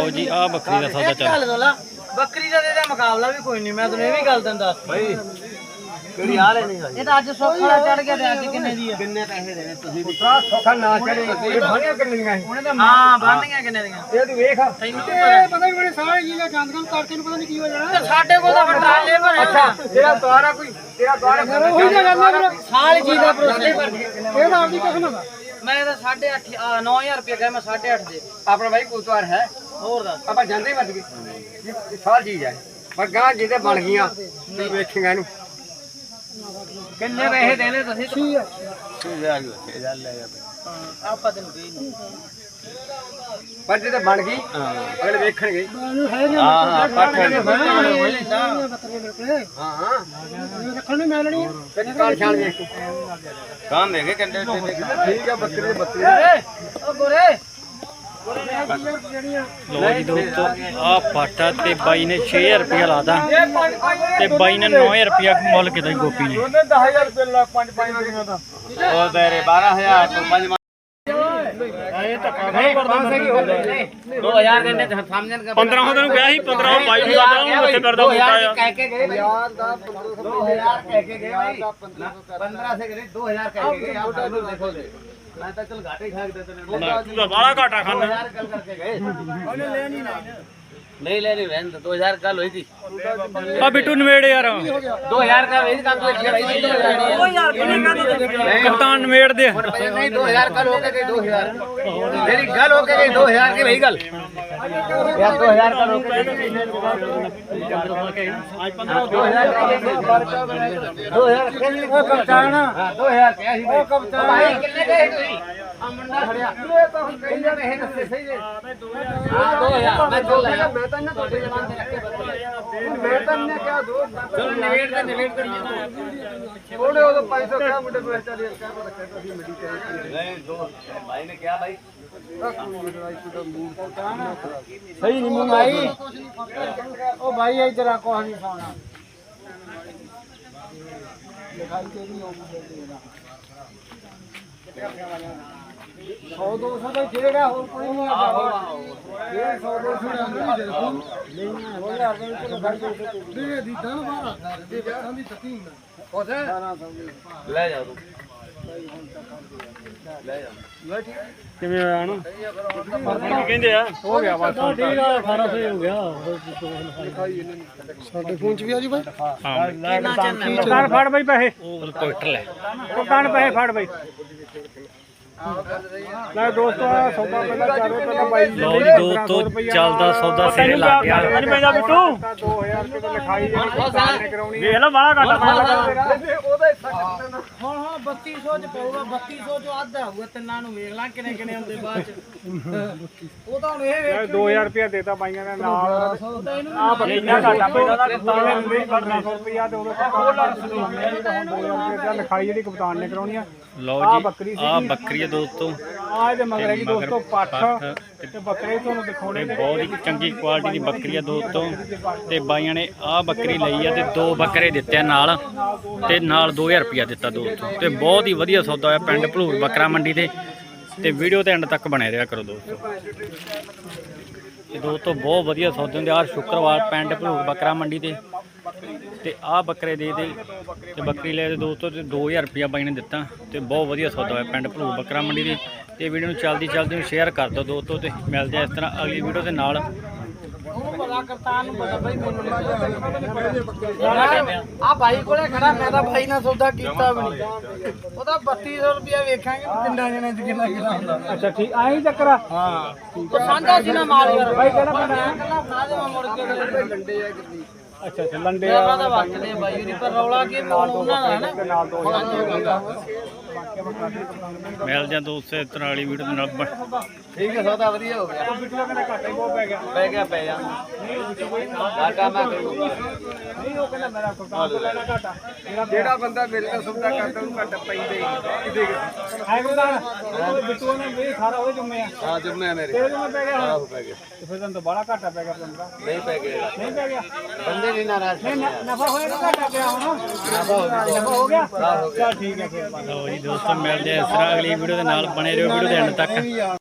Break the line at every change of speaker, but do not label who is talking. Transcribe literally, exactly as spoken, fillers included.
ਲਓ ਜੀ ਆ ਬੱਕਰੀ ਦਾ ਸੌਦਾ ਚੱਲ
ਬੱਕਰੀ ਦਾ ਤੇ ਮੁਕਾਬਲਾ ਵੀ ਕੋਈ ਨਹੀਂ। ਮੈਂ ਤੈਨੂੰ ਇਹ ਵੀ ਗੱਲ ਤੈਨੂੰ ਦੱਸ ਬਈ ਕਿਹੜੀ ਆ ਲੈ ਨਹੀਂ ਇਹ ਤਾਂ ਅੱਜ ਸੌਖਾ ਚੜ ਗਿਆ ਤੇ ਅੱਜ ਕਿੰਨੇ ਦੀ ਆ? ਕਿੰਨੇ ਪੈਸੇ ਦੇਣੇ ਤੁਸੀਂ? ਪੁੱਤਰਾ ਸੌਖਾ ਨਾ ਚੜੇ ਇਹ ਬਣੀਆਂ ਕਿੰਨੀਆਂ ਉਹਨੇ ਤਾਂ ਹਾਂ ਬਣਨੀਆਂ ਕਿੰਨੇ ਦੀਆਂ ਇਹ ਤੂੰ ਵੇਖ ਤੈਨੂੰ ਪਤਾ ਵੀ ਬੜੇ ਸਾਰੇ ਜੀ ਗੰਦਗਮ ਕਰਕੇ ਨੂੰ ਪਤਾ ਨਹੀਂ ਕੀ ਹੋ ਜਾਣਾ। ਸਾਡੇ ਕੋਲ ਤਾਂ ਵੱਡਾ ਲੇਬਰ ਅੱਛਾ ਤੇਰਾ ਦੁਆਰਾ ਕੋਈ ਤੇਰਾ ਦੁਆਰਾ ਉਹੀ ਗੱਲ ਹੈ ਸਾਲ ਜੀ ਦਾ ਪ੍ਰੋਸੈਸ ਇਹ ਤਾਂ ਆਪਦੀ ਕਿਸਮ ਦਾ। ਮੈਂ ਤਾਂ ਸਾਢੇ ਅੱਠ ਨੌ ਹਜ਼ਾਰ ਰੁਪਏ ਕਹੇ ਮੈਂ ਸਾਢੇ ਅੱਠ ਦੇ ਆਪਣਾ ਭਾਈ ਕੋਤਵਾਰ ਹੈ ਹੋਰ ਦੱਸ ਆਪਾਂ ਜਾਂਦੇ ਵੱਜ ਗਏ ਸਾਲ ਚੀਜ਼ ਹੈ ਪਰ ਗਾਂ ਜਿਹਦੇ ਬਣ ਗਈਆਂ ਤੂੰ ਵੇਖੇਗਾ ਇਹਨੂੰ ਕਿੰਨੇ ਪੈਸੇ ਦੇਣੇ ਤੁਸੀਂ? ਠੀਕ ਹੈ ਤੂੰ ਲੈ ਜਾ ਕੇ ਲੈ ਜਾ ਆਪਾਂ ਤੈਨੂੰ ਕਹੀ ਨਹੀਂ ਪਰ ਜੇ ਬਣ ਗਈ ਅਗਲੇ ਵੇਖਣਗੇ ਹਾਂ ਹਾਂ ਪੱਠ ਹਾਂ ਹਾਂ ਰੱਖਣ ਨੂੰ ਮਿਲਣੀ ਹੈ ਕਾਲ ਛਾਲ ਵੇਖ ਕਾਂ ਦੇਗੇ ਕੰਡੇ ਠੀਕ ਹੈ ਬੱਕਰੇ ਬੱਕਰੇ ਓ ਗੋਰੇ
ਲੋ ਜੀ ਦੋਸਤੋ ਆ ਪਾਟਾ ਤੇ ਬਾਈ ਨੇ ਛੇ ਹਜ਼ਾਰ ਰੁਪਇਆ ਲਾਦਾ ਤੇ ਬਾਈ ਨੇ ਨੌ ਹਜ਼ਾਰ ਰੁਪਇਆ ਮੁੱਲ ਕੀਤਾ ਗੋਪੀ ਨੇ।
ਉਹਨੇ ਦਸ ਹਜ਼ਾਰ ਰੁਪਏ ਲਾ ਪੰਜ ਪੰਜ ਵਗੀਆਂ ਦਾ
ਉਹ ਤੇਰੇ ਬਾਰਾਂ ਹਜ਼ਾਰ ਤੋਂ ਪੰਜ
ਇਹ ਧੱਕਾ ਨਹੀਂ ਕਰਦਾ
ਦੋ ਹਜ਼ਾਰ ਕਹਿੰਦੇ ਸਮਝਣ ਦਾ
ਪੰਦਰਾਂ ਸੌ ਤੈਨੂੰ ਕਿਹਾ ਸੀ ਪੰਦਰਾਂ ਸੌ ਬਾਈ ਨੂੰ ਕਰਦਾ ਉਹ ਉੱਥੇ ਕਰਦਾ ਬੂਟਾ ਆ
ਕਹਿ ਕੇ ਗਏ
ਯਾਰ ਦਾ
ਦੋ ਹਜ਼ਾਰ ਕਹਿ ਕੇ ਗਏ ਭਾਈ ਪੰਦਰਾਂ ਸੇ ਗਏ ਦੋ ਹਜ਼ਾਰ ਕਹਿ ਕੇ ਗਏ ਆਪ ਸਾਨੂੰ ਦੇਖੋ ਦੇ ਮੈਂ ਤਾਂ ਚਲ ਘਾਟੇ ਖਾ ਕੇ ਦੇਤੇ ਨੇ
ਤੂੰ ਤਾਂ ਬਾਹਲਾ ਘਾਟਾ ਖਾਨਾ
ਦੋ ਹਜ਼ਾਰ ਗੱਲ ਕਰਕੇ ਗਏ
ਉਹਨੇ ਲੈਣੀ ਨਹੀਂ
नहीं लेनी बहन दो हजार कल हुई थी
ਆ ਬਿੱਟੂ ਨਵੇੜ ਯਾਰ
दो हजार का वही काम तो
दो हज़ार किन्ने का
ਕਪਤਾਨ ਨਵੇੜ ਦੇ
नहीं दो हजार कल हो गए दो हजार मेरी गल हो गई दो हजार की वही गल यार दो हजार कल हो गए दो हजार दो हजार
ਉਹ ਕਪਤਾਨ
दो हजार क्या ही
ਉਹ ਕਪਤਾਨ
भाई कितने गए तुम आ मुंडा खड़िया
ਇਹ ਤਾਂ ਹੁਣ ਕਹੀ
कितने पैसे दसते सही है हां दो हजार मैं चल रहा
ਮੈਂ ਤਾਂ ਇਹਨਾਂ ਤੁਹਾਡੇ ਜਵਾਨ ਦੇ ਰੱਖੇ ਬਦਲੇ ਮੈਂ ਤਾਂ ਇਹਨੇ ਕਿਹਾ ਦੋ
चलो निवेट का निवेट करिए
ਥੋੜੇ ਉਦੋਂ ਪੰਜ ਸੌ ਕਿਹਾ ਮੁੰਡੇ ਕੋਲ ਚੱਲ ਯਾਰ ਕਹਿ ਰੱਖਿਆ ਤਾਂ ਅਸੀਂ ਮੜੀ ਚਾਹੀਦੀ
नहीं दो भाई ने क्या भाई
ਸਹੀ ਨਹੀਂ ਮੰਗਾਈ ਉਹ ਭਾਈ ਇਧਰ ਆ ਕੋਹ ਨਹੀਂ ਖਾਣਾ ਲਿਖਾਈ ਤੇਰੀ ਹੋਊਗੀ ਸੌ ਦੋ ਸੌ ਦਾ ਜਿਹੜਾ ਹੋਰ ਕੋਈ ਨਹੀਂ ਆ ਇਹ ਸੌ ਦੋ ਸੌ ਦਾ ਨਹੀਂ ਦੇ ਦੂੰ ਨਹੀਂ ਹੋ ਗਿਆ ਅਰਜਨ ਕੋਲ ਘਰ ਦੇ ਦੇ ਦੀ ਦਨ ਬਾਰਾ ਦੇ ਵਿਆਹਾਂ ਦੀ ਤਕੀ ਹੁੰਦਾ ਉਥੇ
ले जाओ तुम ले जाओ
ਕਿਵੇਂ ਆਇਆ ਨਾ ਕੀ ਕਹਿੰਦੇ ਆ ਹੋ ਗਿਆ ਬਸ ਅਠਾਰਾਂ ਸੌ ਹੋ ਗਿਆ
ਸਾਡੇ ਫੋਨ ਚ ਵੀ ਆ ਜੀ ਬਾਈ
ਹਾਂ ਦੁਕਾਨ ਫੜ ਬਈ ਪੈਸੇ ਉਹ ਕੋਟਰ ਲੈ ਦੁਕਾਨ ਪੈਸੇ ਫੜ ਬਈ
ਲੈ ਦੋਸਤੋ ਸੌਦਾ ਪਹਿਲਾਂ ਚਾਰੇ ਪਹਿਲਾਂ ਬਾਈ
ਲਓ ਜੀ ਦੋਸਤੋ ਚੱਲਦਾ ਸੌਦਾ ਸਿਰੇ ਲੱਗ ਗਿਆ
ਨਹੀਂ ਪੈਂਦਾ ਬਿੱਟੂ ਦੋ ਹਜ਼ਾਰ ਰੁਪਏ ਤਾਂ ਲਿਖਾਈ ਜਿਹੜੀ ਕਰਾਉਣੀ
ਵੇਖ ਲੈ ਬਾਹਲਾ ਘਾਟਾ
ਉਹਦਾ ਹਿੱਸਾ
ਹਾਂ ਹਾਂ ਬੱਤੀ ਸੌ ਚ ਪਊਗਾ ਬੱਤੀ ਸੌ ਚੋਂ ਅੱਧਾ ਹੋਊਗਾ ਤਿੰਨਾਂ ਨੂੰ ਵੇਖ ਲਾਂ ਕਿੰਨੇ ਕਿੰਨੇ ਹੁੰਦੇ ਬਾਅਦ ਚ ਉਹ ਤਾਂ ਹੁਣ ਇਹ ਵੇਖ
ਦੋ ਹਜ਼ਾਰ ਰੁਪਏ ਦੇਤਾ ਬਾਈਆਂ ਨੇ ਨਾਲ ਆ ਬੱਕਰੀਆਂ ਘਾਟਾ ਪੈਂਦਾ ਦਾ ਕਪਤਾਨ ਨੇ ਦਿੰਦੇ ਪੰਦਰਾਂ ਸੌ ਰੁਪਇਆ ਤੇ ਉਹਦੇ ਕੋਲ ਰੁਪਏ ਲਿਖਾਈ ਜਿਹੜੀ ਕਪਤਾਨ ਨੇ ਕਰਾਉਣੀ ਆ
ਲਓ ਜੀ ਆ ਬੱਕਰੀ ਆ ਦੋਸਤੋ
ਆ ਇਹਦੇ ਮਗਰ ਜੀ ਦੋਸਤੋ ਪੱਠ ਤੇ ਬੱਕਰੇ ਤੁਹਾਨੂੰ ਦਿਖਾਉਣੇ
ਤੇ ਬਹੁਤ ਹੀ ਚੰਗੀ ਕੁਆਲਿਟੀ ਦੀ ਬੱਕਰੀ ਆ ਦੋਸਤੋ ਤੇ ਬਾਈਆਂ ਨੇ ਆ ਬੱਕਰੀ ਲਈ ਆ ਤੇ ਦੋ ਬੱਕਰੇ ਦਿੱਤੇ ਆ ਨਾਲ ਤੇ ਨਾਲ ਦੋ ਹਜ਼ਾਰ ਰੁਪਇਆ ਦਿੱਤਾ ਦੋਸਤੋ ਤੇ ਬਹੁਤ ਹੀ ਵਧੀਆ ਸੌਦਾ ਹੋਇਆ ਪਿੰਡ ਭਲੂਰ ਬੱਕਰਾ ਮੰਡੀ ਤੇ ਤੇ ਵੀਡੀਓ ਤੇ ਐਂਡ ਤੱਕ ਬਣੇ ਰਿਹਾ ਕਰੋ ਦੋਸਤੋ ਤੇ ਦੋਸਤੋ ਬਹੁਤ ਵਧੀਆ ਸੌਦੇ ਹੁੰਦੇ ਹਰ ਸ਼ੁੱਕਰਵਾਰ ਪਿੰਡ ਭਲੂਰ ਬੱਕਰਾ ਮੰਡੀ ਤੇ ਤੇ ਆਹ ਬੱਕਰੇ ਦੇ ਦੇ ਤੇ ਬੱਕਰੀ ਲੈ ਦੇ ਦੋਸਤੋ ਤੇ ਦੋ ਹਜ਼ਾਰ ਰੁਪਇਆ ਬਾਈ ਨੇ ਦਿੱਤਾ ਤੇ ਬਹੁਤ ਵਧੀਆ ਸੌਦਾ ਹੋਇਆ ਪਿੰਡ ਭਲੂਰ ਬੱਕਰਾ ਮੰਡੀ ਦੇ ਤੇ ਵੀਡੀਓ ਨੂੰ ਚਲਦੀ ਚਲਦੀ ਨੂੰ ਸ਼ੇਅਰ ਕਰ ਦਿਓ ਦੋਸਤੋ ਤੇ ਮਿਲਦੇ ਆ ਇਸ ਤਰ੍ਹਾਂ ਅਗਲੀ ਵੀਡੀਓ ਦੇ ਨਾਲ
ਉਹਨੂੰ ਪਤਾ ਕਰਤਾਨ ਨੂੰ ਪਤਾ ਬਈ ਮੈਨੂੰ ਆ ਭਾਈ ਕੋਲੇ ਖੜਾ ਮੈਂ ਤਾਂ ਭਾਈ ਨਾਲ ਸੌਦਾ ਕੀਤਾ ਵੀ ਨਹੀਂ ਉਹਦਾ ਬੱਤੀ ਸੌ ਰੁਪਇਆ ਵੇਖਾਂਗੇ ਪਿੰਡਾਂ ਜਣੇ ਚ ਕਿੰਨਾ ਕਿੰਨਾ ਹੁੰਦਾ
ਅੱਛਾ ਠੀਕ ਆਹੀ ਚੱਕਰ ਆ
ਹਾਂ ਉਹ ਸਾਂਝਾ ਸੀ ਨਾ ਮਾਲ ਯਾਰ
ਬਾਈ ਕਿਹੜਾ ਪਿੰਡ ਆ
ਕੱਲਾ ਫੜਾ ਦੇ ਮੈਂ ਮੁੜ ਕੇ ਲੰਡੇ ਆ ਕਿੰਨੀ
ਅੱਛਾ ਅੱਛਾ ਲੰਡੇ
ਮੇਰਾ ਤਾਂ ਵਰਤਦੇ ਬਾਈ ਉਹਦੀ ਪਰ ਰੌਲਾ ਕੀ ਮੋਲ ਉਹਨਾਂ ਦਾ ਹੈ ਨਾ
ਨਾਲ ਦੋ
ਮਿਲਦੇ ਆ ਦੋਸਤੋ ਇਸ ਤਰ੍ਹਾਂ ਵਾਲੀ ਵੀਡੀਓ ਦੇ ਨਾਲ ਬ-
ठीक है सौदा बढ़िया हो गया
ਬਿੱਟੂ ਕਹਿੰਦਾ ਘਾਟਾ ਹੀ ਬਹੁਤ ਪੈ ਗਿਆ
पै गया पै जा घाटा मैं करूंगा
ਨਹੀਂ ਉਹ ਕਹਿੰਦਾ ਮੇਰਾ ਕਪਤਾਨ ਤੋਂ ਲੈਣਾ ਘਾਟਾ ਜਿਹੜਾ ਬੰਦਾ ਮੇਰੇ ਨਾਲ ਸੌਦਾ ਕਰਦਾ ਉਹਨੂੰ ਘਾਟਾ ਪੈਂਦਾ ਹੀ ਕਿਤੇ ਹੈ ਕਪਤਾਨ ਬਿੱਟੂ ਨੇ ਵੀ ਸਾਰਾ ਉਹਦੇ ਜੁੰਮੇ ਆ
हाँ जब मैं मेरे
ਤੇਰੇ ਜੁੰਮੇ ਪੈ ਗਿਆ
हाँ
ਹੁਣ
पै गया
ਤੇ ਫਿਰ ਤੁਹਾਨੂੰ ਤਾਂ ਬੜਾ ਘਾਟਾ ਪੈ ਗਿਆ ਬੰਦਾ
नहीं पै गया
ਨਹੀਂ ਪੈ ਗਿਆ
बंदे नहीं नाराज
ਨਹੀਂ ਨ- ਨਫਾ ਹੋਇਆ ਕਿ ਘਾਟਾ ਪਿਆ ਹੁਣ ਨਫਾ ਹੋ ਗਿਆ ਚਲ ਠੀਕ ਹੈ ਫਿਰ
ਲਓ ਜੀ ਦੋਸਤੋ ਮਿਲਦੇ ਆ ਇਸ ਤਰ੍ਹਾਂ ਅਗਲੀ ਵੀਡੀਓ ਦੇ ਨਾਲ ਬਣੇ ਰਹੋ ਵੀਡੀਓ ਦੇ ਐਂਡ ਤੱਕ